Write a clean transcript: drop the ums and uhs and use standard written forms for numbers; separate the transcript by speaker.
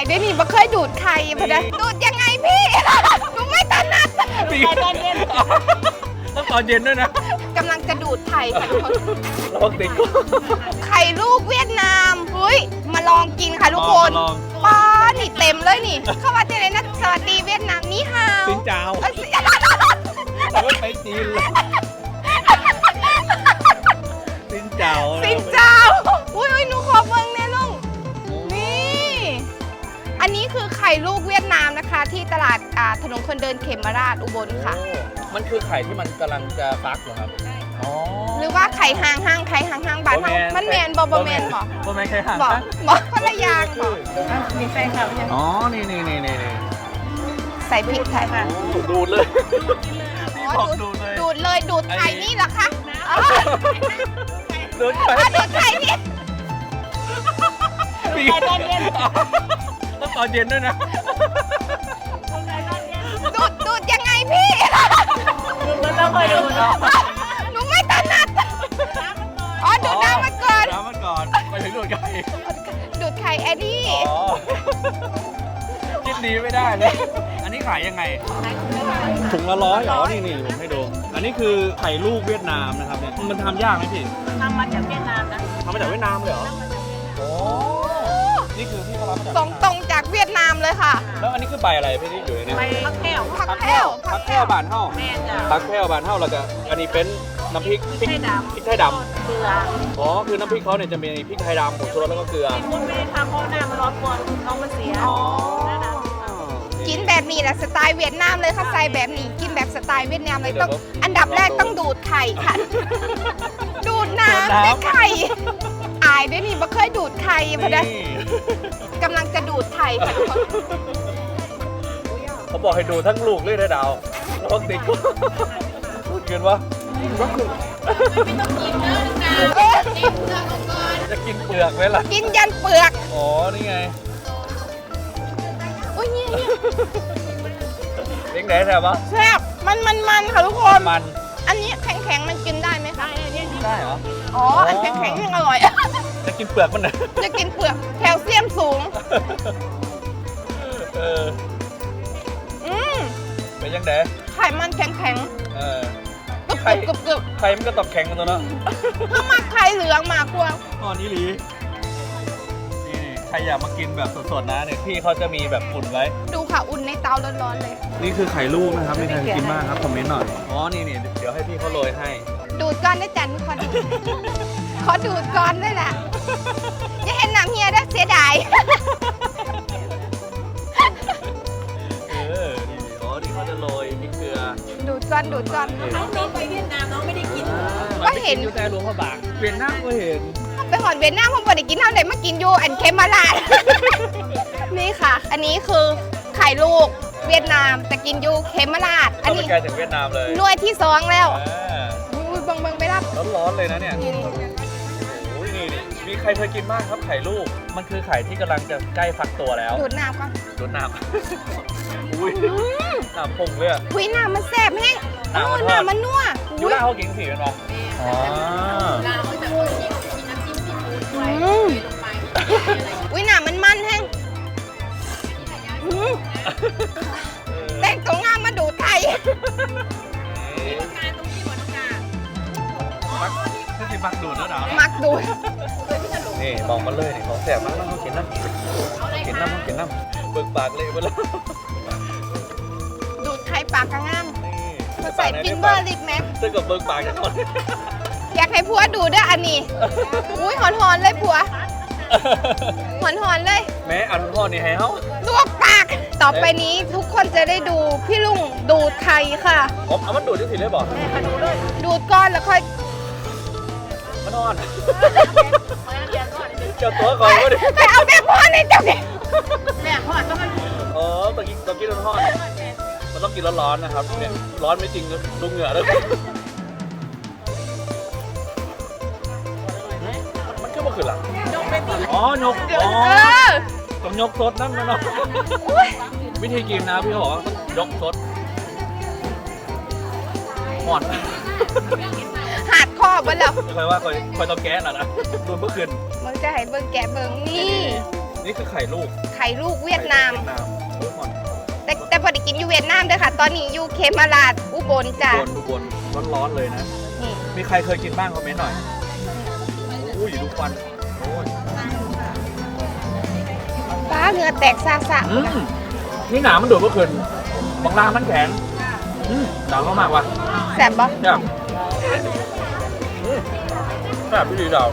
Speaker 1: ด้วยนี่บ่เคยดูดไข่พอดีดูดยังไงพี่หนูไม่ถนัด
Speaker 2: ตอนเย็นต้องตอนเย็นด้วยนะ
Speaker 1: กำลังจะดูดไข่ค่ะทุกคน
Speaker 2: ลองติด
Speaker 1: ไข่ลูกเวียดนามเฮ้ยมาลองกินค่ะทุกคนป้านี่เต็มเลยนี่เข้ามาเจอเลยนะสวัสดีเวียดนามนี่ฮาว
Speaker 2: สินเจ้าไปจีนเลยสินเจ้า
Speaker 1: สินเจ้าอุ้ยหนูขอเบิ่งแน่ลุงนี่อันนี้คือไข่ลูกเวียดนามนะคะ ที่ตลาดถนนคนเดินเขมราชอุบลค่ะ
Speaker 2: มันคือไข่ที่มันกำลังจะฟักเหรอครับอ๋อ
Speaker 1: หรือว่าไข่ห่างไข่ห่างบ้านเรามันแมนบอแมนบอ
Speaker 2: บ่แมนไข่ห่าง
Speaker 1: บอคนละอย่างบอ
Speaker 3: มีแฟนคลับยัง
Speaker 2: อ๋อนี่
Speaker 1: ใส่พริกไทยค่ะ
Speaker 2: ดูดเลย
Speaker 1: ดูดเลยดูดไข่นี่เหรอคะ
Speaker 2: ดูดไข่
Speaker 1: ดูดไข่นี่
Speaker 2: ตอนเย็นต้องตอนเย็นด้วยนะ
Speaker 1: ดูดยังไงพี่
Speaker 3: มันต้องคอยดูเนาะ
Speaker 1: หนูไม่ถนัดอ๋อดูดน้ำมาก่อน
Speaker 2: น้ำมันก่อนไปถึงดูดไข่
Speaker 1: ดูดไข่แอดดี้
Speaker 2: อ๋อคิดดีไม่ได้เลยอันนี้ขายยังไงถุงละ100เหรอนี่ผมให้ดูอันนี้คือไข่ลูกเวียดนามนะครับเนี่ยมันทำยากไหมพี่
Speaker 3: ทำมาจากเวียดนามนะ
Speaker 2: ทำมาจากเวียดนามเลยเหรอโอ้นี่คือที่เขารับมาจาก
Speaker 1: ส่งตรงจากเวียดนามเลยค่ะ
Speaker 2: แล้วอันนี้คือใบอะไรพี่ที่อยู่ในนี้
Speaker 3: ไปพักแก้ว
Speaker 1: ผักแพ้ว
Speaker 2: ผักแพร่วบานเท่า
Speaker 3: แม่จ้ะ
Speaker 2: ผักแพร่วบานเท่าแล้วก็อันนี้เป็นน้ำพริก
Speaker 3: พริกไทยดำ
Speaker 2: พริกไทยดำ
Speaker 3: เกลือ
Speaker 2: อ๋อคือน้ำพริกเขาเนี่ยจะมีพริกไทยดำผงชูรสแล้วก็เกลือ
Speaker 3: คุณไม่ได้ทำเพราะหน้ามันร้อนกวนน้องมันเสีย
Speaker 2: อ๋อ
Speaker 1: กินแบบนี้แหละสไตล์เวียดนามเลยค่ะใส่แบบนี้กินแบบสไตล์เวียดนามเลยต้องอันดับแรกต้องดูดไข่ค่ะ ดูดน้ำได้ไข่อายด้วยนี่บ่เคยดูดไข่พอดี
Speaker 2: นี่
Speaker 1: กำลังจะดูดไข่ค่ะทุกคน
Speaker 2: เขาบอกให้ดูทั้งลูกเลยนะดาวลองติดพูดเกินวะ
Speaker 1: เอ๊ะ
Speaker 2: จะกินเปลือกไหมล่ะ
Speaker 1: กินยันเปลือก
Speaker 2: อ๋อนี่ไง
Speaker 1: อุ้ยเนี่ย
Speaker 2: เล็กไหนแถววะ
Speaker 1: แซ่บมันค่ะทุกคน
Speaker 2: มัน
Speaker 1: อันนี้แข็งๆมันกินได้ไหมคะ
Speaker 2: ได้เหรอ
Speaker 1: อ๋ออันแข็งๆยังอร่อย
Speaker 2: จะกินเปลือกมันเหรอ
Speaker 1: จะกินเปลือกแคลเซียมสูง
Speaker 2: เออ
Speaker 1: อืม
Speaker 2: เป็นยังไง
Speaker 1: ไข่มันแข็ง
Speaker 2: เออ
Speaker 1: ๆกรึบ
Speaker 2: ไข่
Speaker 1: กรึบกรึบ
Speaker 2: ไข่มันก็ตอบแข็งกันตัวเนาะ
Speaker 1: ถ้ามาไข่เหลืองมากกว่า
Speaker 2: อ๋อนี่หลีนี่ใครอยากมากินแบบสดๆนะเนี่ยพี่เขาจะมีแบบอุ่นไว้
Speaker 1: ดูค่ะอุ่นในเตาร้อนๆเลย
Speaker 2: นี่คือไข่ลูกนะครับมีใครกินบ้างครับคอมเมนต์หน่อย อ๋อ นี่เดี๋ยวให้พี่เขาโรยให้
Speaker 1: ดูดก้อนได้จันทุกคน ขอดูดก้อนด้วยแหละอย่าเห็นน้ำเฮียได้เสียดาย
Speaker 2: เออ นี่อ๋อนี่เขาจะโรยพริกเกลือ
Speaker 1: ดูดก้อนดูดก้อน
Speaker 3: น้องไปเวียดนามน้องไม่ได้กิน
Speaker 1: ก็เห็น
Speaker 2: อยู่แต่หลวงพระบางเวียนหน้าก็เห็น
Speaker 1: ไปหอนเวียดนามผมบ่ได้กินเท่าไหร่มากินอยู่อันเคมาลาด นี่ค่ะ อันนี้คือไข่ลูกเวียดนามแต่กินอยู่เคมาลาดอัน
Speaker 2: เข้าไป
Speaker 1: นี้
Speaker 2: ไกลถึงเวียดนามเลย
Speaker 1: หน่วยที่2แล้ว
Speaker 2: อ่า
Speaker 1: อุ้ยเบังไปรับ
Speaker 2: ร้อนๆเลยนะเนี่ย
Speaker 1: นี่
Speaker 2: โอ้ยนี่มีใครเคยกินบ้างครับไข่ลูก มันคือไข่ที่กำลังจะใกล้ฟักตัวแล้ว
Speaker 1: ดูดน้ำก่อน
Speaker 2: รดน้ำ อุ้ยน้ำพุ่งเลยอะ
Speaker 1: คุยน้ำมันแซ่บแห้ง
Speaker 2: น้ำมันทอด
Speaker 1: น้ำมันนัว
Speaker 2: ยู
Speaker 1: อุ้ย
Speaker 2: ราเขากินสีกันปะอ๋อ
Speaker 1: อืมอุ้ยน้ำมันแห้งอืมแต่งตัวงามมาดูดไข่
Speaker 2: มักนี่สิมักดูดแล้วเหรอ
Speaker 1: มักดูด
Speaker 2: นี่บอกมาเลยนี่ของแสบมากต้องกินน้ำกินน้ำเบิกปากเลยไปแล้ว
Speaker 1: ดูดไข่ปากกระงาม
Speaker 2: นี่
Speaker 1: มาใส่ฟินเบอร์ลิปแม็ก
Speaker 2: เจอกับเบิกปากกันก่อน
Speaker 1: อยากให้ผัวดูด้วยอันนี้ อุ้ยหอนๆเลยผัวหอนๆเลย
Speaker 2: แม้อันพ่อนี่ให้เฮา
Speaker 1: ลวกปาก ต่อไปนี้ทุกคนจะได้ดูพี่ลุงดูดไข่ค่ะ
Speaker 2: ผมเอามันดูดที่สิเลยบอก
Speaker 1: ดูดก้อนแล้วค่อย
Speaker 2: มันนอนเจ้าตัวก่อนก็ดิ
Speaker 1: ไปเอาแบบพ่อในเจ้าเนี่ย
Speaker 3: แม่พ่อต้องมัน
Speaker 2: อ๋อตะกี้ร้อนๆมันต้องกินร้อนๆนะครับเนี่ยร้อนไม่จริงดูเหงื่อแล้วมันก็มาขึ้นหลังอ๋อยกอ๋อ
Speaker 1: เออ
Speaker 2: ต้องยกซดนั่นนะเนาะวิธีกินนะพี่เขาบอกว่าต้องยกซดหอด
Speaker 1: หาดคอบไว้แล้ว
Speaker 2: คอยว่าคอยต้องแก๊สนะดูเมื่อคืน
Speaker 1: มึงจะให้เบิ่งแกะเบิ่งนี่
Speaker 2: นี่คือไข่ลูก
Speaker 1: ไข่ลูกเวียดนาม
Speaker 2: โอ้ยหอน
Speaker 1: แต่พอได้กินอยู่เวียดนามเด้อค่ะ ตอนนี้อยู่เคมาลาดอุบลจ้ะ
Speaker 2: อุบลร้อนๆเลยนะ
Speaker 1: นี่
Speaker 2: มีใครเคยกินบ้างคอมเมนต์หน่อยอุ้ยดูควันโอ้ย
Speaker 1: ฟ้าเหงื่อแตกซาซะ
Speaker 2: นี่หนามันดูดเมื่อคืนบางล่างมันแข็งหนาวมากๆว่ะ
Speaker 1: แซ่บบ่
Speaker 2: เนี่ยแบบพี่ดีดาว